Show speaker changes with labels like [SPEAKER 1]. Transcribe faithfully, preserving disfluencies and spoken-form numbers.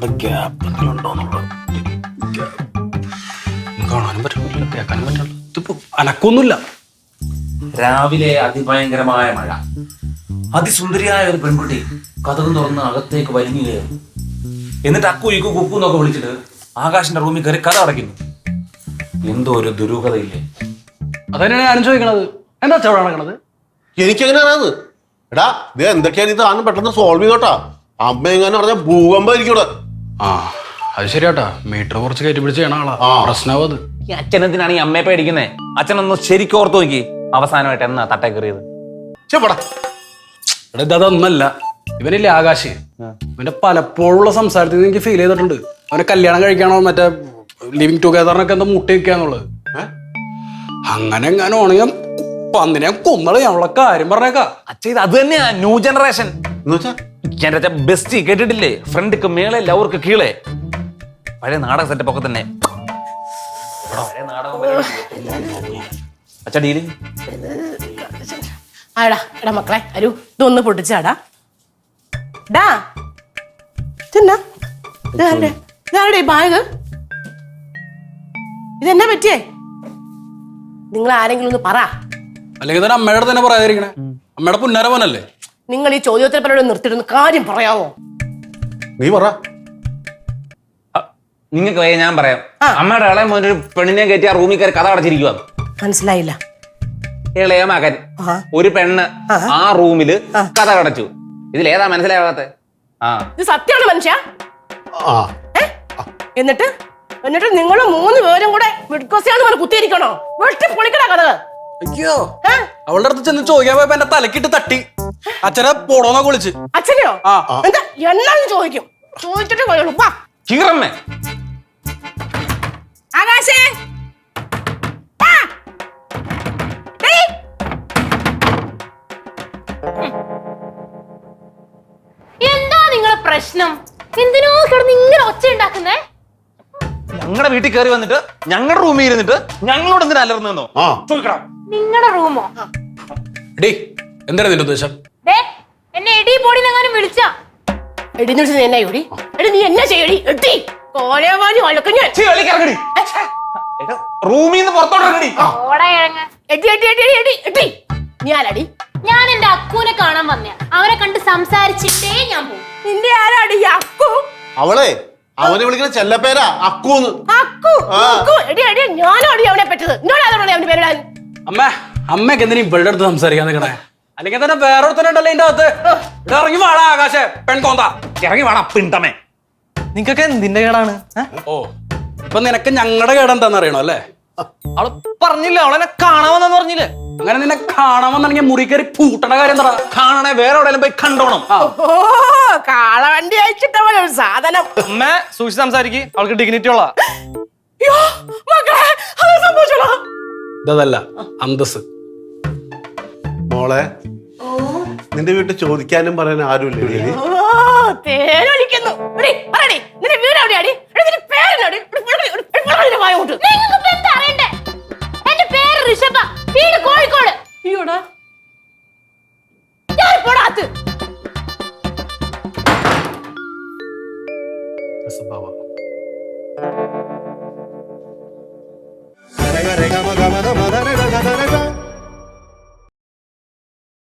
[SPEAKER 1] Gap ഉണ്ടോന്നുള്ളത് കാണാനും പറ്റുന്നില്ല, കേൾക്കാനും പറ്റില്ല. ഇതിപ്പോ അനക്കൊന്നുമില്ല.
[SPEAKER 2] രാവിലെ അതിഭയങ്കരമായ മഴ. അതിസുന്ദരിയായ ഒരു പെൺകുട്ടി കതകും തുറന്ന് അകത്തേക്ക് വലിഞ്ഞു കയറും. എന്നിട്ട് അക്കു ഇക്കു കുക്കു എന്നൊക്കെ വിളിച്ചിട്ട് ആകാശിന്റെ റൂമിൽ കയറി കഥ അടയ്ക്കുന്നു. എന്തോ ഒരു ദുരൂഹതയില്ലേ?
[SPEAKER 1] അതന്നെയാണ് ഞാനും ചോദിക്കണത്. എന്താ അവിടെ നടക്കണത്?
[SPEAKER 3] എനിക്കെങ്ങനെയാണത്? എടാ ഇത് എന്തൊക്കെയാണ് ഇത് ആണെന്ന് പെട്ടെന്ന് സോൾവ് ചെയ്തോട്ടാ. അമ്മ എങ്ങനെ പറഞ്ഞ ഭൂകമ്പായിരിക്കും ഇവിടെ.
[SPEAKER 1] ആ അത് ശരിയാട്ടാ, മീറ്റർ കുറച്ച് കയറ്റി പിടിച്ച് ചെയ്യണ ആളാ. പ്രശ്നമാവും അത്.
[SPEAKER 2] ഈ അച്ഛനെന്തിനാണ് ഈ അമ്മയെ പേടിക്കുന്നേ? അച്ഛനൊന്ന് ശരിക്കും ഓർത്ത് നോക്കി. അവസാനമായിട്ട് എന്നാ തട്ടേ കയറിയത്?
[SPEAKER 1] എടാ ഇത് അതൊന്നല്ല, ഇവനില്ലേ ആകാശ്, ഇവന്റെ പലപ്പോഴുള്ള സംസാരത്തിൽ നിന്ന് എനിക്ക് ഫീൽ ചെയ്തിട്ടുണ്ട് അവനെ കല്യാണം കഴിക്കാനോ മറ്റേ ലിവിങ് ടുഗദറിനൊക്കെ എന്താ മുട്ടി വെക്കാന്നുള്ളത്. അങ്ങനെ എങ്ങാനും ആണെങ്കിൽ പന്നിനെ കൊന്നള ഞമ്മളെ കാര്യം പറഞ്ഞേക്കാ.
[SPEAKER 2] അച്ഛ ഇത് അത് തന്നെയാ ന്യൂ ജനറേഷൻ. എന്റെ ബെസ്റ്റ് കേട്ടിട്ടില്ലേ? ഫ്രണ്ടിക്ക് മേളെ ലവർക്ക് കീഴെ. പഴയ നാടക സെറ്റപ്പ് ഒക്കെ തന്നെ. അച്ഛ ഡീല്
[SPEAKER 4] ആടാ എടാ മക്കളെ അരു ഇതൊന്ന് പൊട്ടിച്ചാടാ. ഡാ ഇതെന്നാ ഇതാരുടെ ബാഗ്? ഇതെന്നാ പറ്റിയേ? നിങ്ങൾ ആരെങ്കിലും ഒന്ന് പറ.
[SPEAKER 1] അല്ലെങ്കിൽ തന്നെ അമ്മയുടെ തന്നെ പറയാതിരിക്കണേ. അമ്മയുടെ പുന്നാര പോനല്ലേ.
[SPEAKER 4] നിങ്ങൾ ഈ ചോദ്യോത്തര പരോട് നിർത്തിയിട്ടൊന്ന് കാര്യം പറയാവോ?
[SPEAKER 3] നീ പറ.
[SPEAKER 2] നിങ്ങൾക്ക് വയ്യ ഞാൻ പറയാം. അമ്മയുടെ ഇളയ മോൻ ഒരു പെണ്ണിനെ കയറ്റി ആ റൂമിൽ കയറി കഥ അടച്ചിരിക്കുക.
[SPEAKER 4] മനസ്സിലായില്ല.
[SPEAKER 2] ഇളയ മകൻ ഒരു പെണ്ണ് ആ റൂമില് കഥ അടച്ചു. ഇതിലേതാ മനസ്സിലാവാത്ത? ആ
[SPEAKER 4] ഇത് സത്യമാണ് മനുഷ്യ. എന്നിട്ട് എന്നിട്ട് നിങ്ങൾ മൂന്ന് പേരും കൂടെ മിഡ്കോസിയാന്ന് പറഞ്ഞ് കുത്തിയിരിക്കണോ? വെട്ടി പൊളിക്കണ കഥ.
[SPEAKER 1] അയ്യോ, അവളുടെ അടുത്ത് ചെന്ന് ചോദിക്കാൻ പോയപ്പോ എന്റെ തലക്കിട്ട് തട്ടി. അച്ഛനെ പോടോന്നൊക്കെ വിളിച്ച്.
[SPEAKER 4] അച്ഛനെയോ? എന്താ എന്നാന്ന് ചോദിക്കും. ചോദിച്ചിട്ട് പോയുള്ളൂ.
[SPEAKER 2] ചീറമ്മേ
[SPEAKER 4] ആകാശേ
[SPEAKER 5] എന്താ നിങ്ങളെ പ്രശ്നം? എന്തിനോ കിടന്ന് ഇങ്ങനെ ഒച്ച ഉണ്ടാക്കുന്നേ?
[SPEAKER 2] ഞങ്ങളുടെ വീട്ടിൽ കയറി വന്നിട്ട് ഞങ്ങളുടെ റൂമിൽ ഇരുന്നിട്ട് ഞങ്ങളോട് എന്തിനാ അലർന്നോ ചോദിക്കണം.
[SPEAKER 5] നിങ്ങളുടെ റൂമോ?
[SPEAKER 1] എടീ എന്താണ് നിന്റെ ഉദ്ദേശം?
[SPEAKER 5] എന്നെ എടി പൊടിനെങ്ങാനും വിളിച്ചാ?
[SPEAKER 4] എടിന്ന് വിളിച്ചത് എന്നാ എടി? എടി നീ എന്നാ ചെയ്യടി? എട്ടി കോലവാനി വഴക്കും ഞാൻ
[SPEAKER 2] റൂമിൽ നിന്ന് പുറത്തോട്ടിറങ്ങടി.
[SPEAKER 4] എടി എടി എടി എടി എടി നീ ആരാടി?
[SPEAKER 5] ഞാൻ എന്റെ അക്കൂനെ കാണാൻ വന്നയാ. അവനെ കണ്ട് സംസാരിച്ചിട്ടേ ഞാൻ പോകും.
[SPEAKER 4] നിന്റെ ആരാടി അക്കു?
[SPEAKER 3] അവളെ അവനെ വിളിക്കുന്ന ചെല്ലപ്പേരാ അക്കൂന്ന്.
[SPEAKER 4] അക്കു അക്കു എടി എടി ഞാനോടി അവനെ പറ്റത്. എന്നോടാണോടി അവന്റെ പേരിടാൻ?
[SPEAKER 1] അമ്മ അമ്മക്ക് എന്തിനാ ഇവളുടെ അടുത്ത് സംസാരിക്കാൻ നിൽക്കണേ? അല്ലെങ്കിൽ തന്നെ വേറൊരുത്തനുണ്ടല്ലോ ഇതിന്റെ അകത്ത്. ഇവിടെ ഇറങ്ങി വാടാ ആകാശേ, പെൺകോന്താ
[SPEAKER 2] ഇറങ്ങി വേണം പിണ്ടമേ.
[SPEAKER 6] നിങ്ങക്ക് എന്തിന്റെ കേടാണ്?
[SPEAKER 1] ഓ ഇപ്പൊ നിനക്ക് ഞങ്ങളുടെ കേടെന്താന്ന് അറിയണോ അല്ലേ?
[SPEAKER 6] അവള് പറഞ്ഞില്ല, അവളെന്നെ കാണാമെന്നു പറഞ്ഞില്ലേ?
[SPEAKER 1] അങ്ങനെ നിന്നെ കാണാമെന്നുണ്ടെങ്കിൽ മുറി കയറി പൂട്ടണ കാര്യം എന്താ?
[SPEAKER 2] കാണണേ വേറെ എവിടെയെങ്കിലും പോയി കണ്ടോണം.
[SPEAKER 4] ഓ കാളവണ്ടി അയച്ചിട്ടവൻ ഒരു സാധനം.
[SPEAKER 6] അമ്മ സൂക്ഷിച്ച് സംസാരിക്ക്, അവൾക്ക് ഡിഗ്നിറ്റി ഉള്ള.
[SPEAKER 1] ഇതല്ല അന്തസ്.
[SPEAKER 3] മോളെ നിന്റെ വീട്ടിൽ ചോദിക്കാനും പറയാനും ആരുമില്ലേ?
[SPEAKER 4] പേരൊലിക്കുന്നു. നിന്റെ വീട് എവിടെയാടി? പേരെന്നാടി?
[SPEAKER 5] നിങ്ങൾക്ക് എന്താ അറിയണ്ടേ? എന്റെ പേര് ഋഷഭ, വീട് കോഴിക്കോട്.
[SPEAKER 4] അയ്യോടാ ഞാൻ പോടാത്ത്.
[SPEAKER 3] Rega, rega, maga, maga, maga, rega, rega, rega.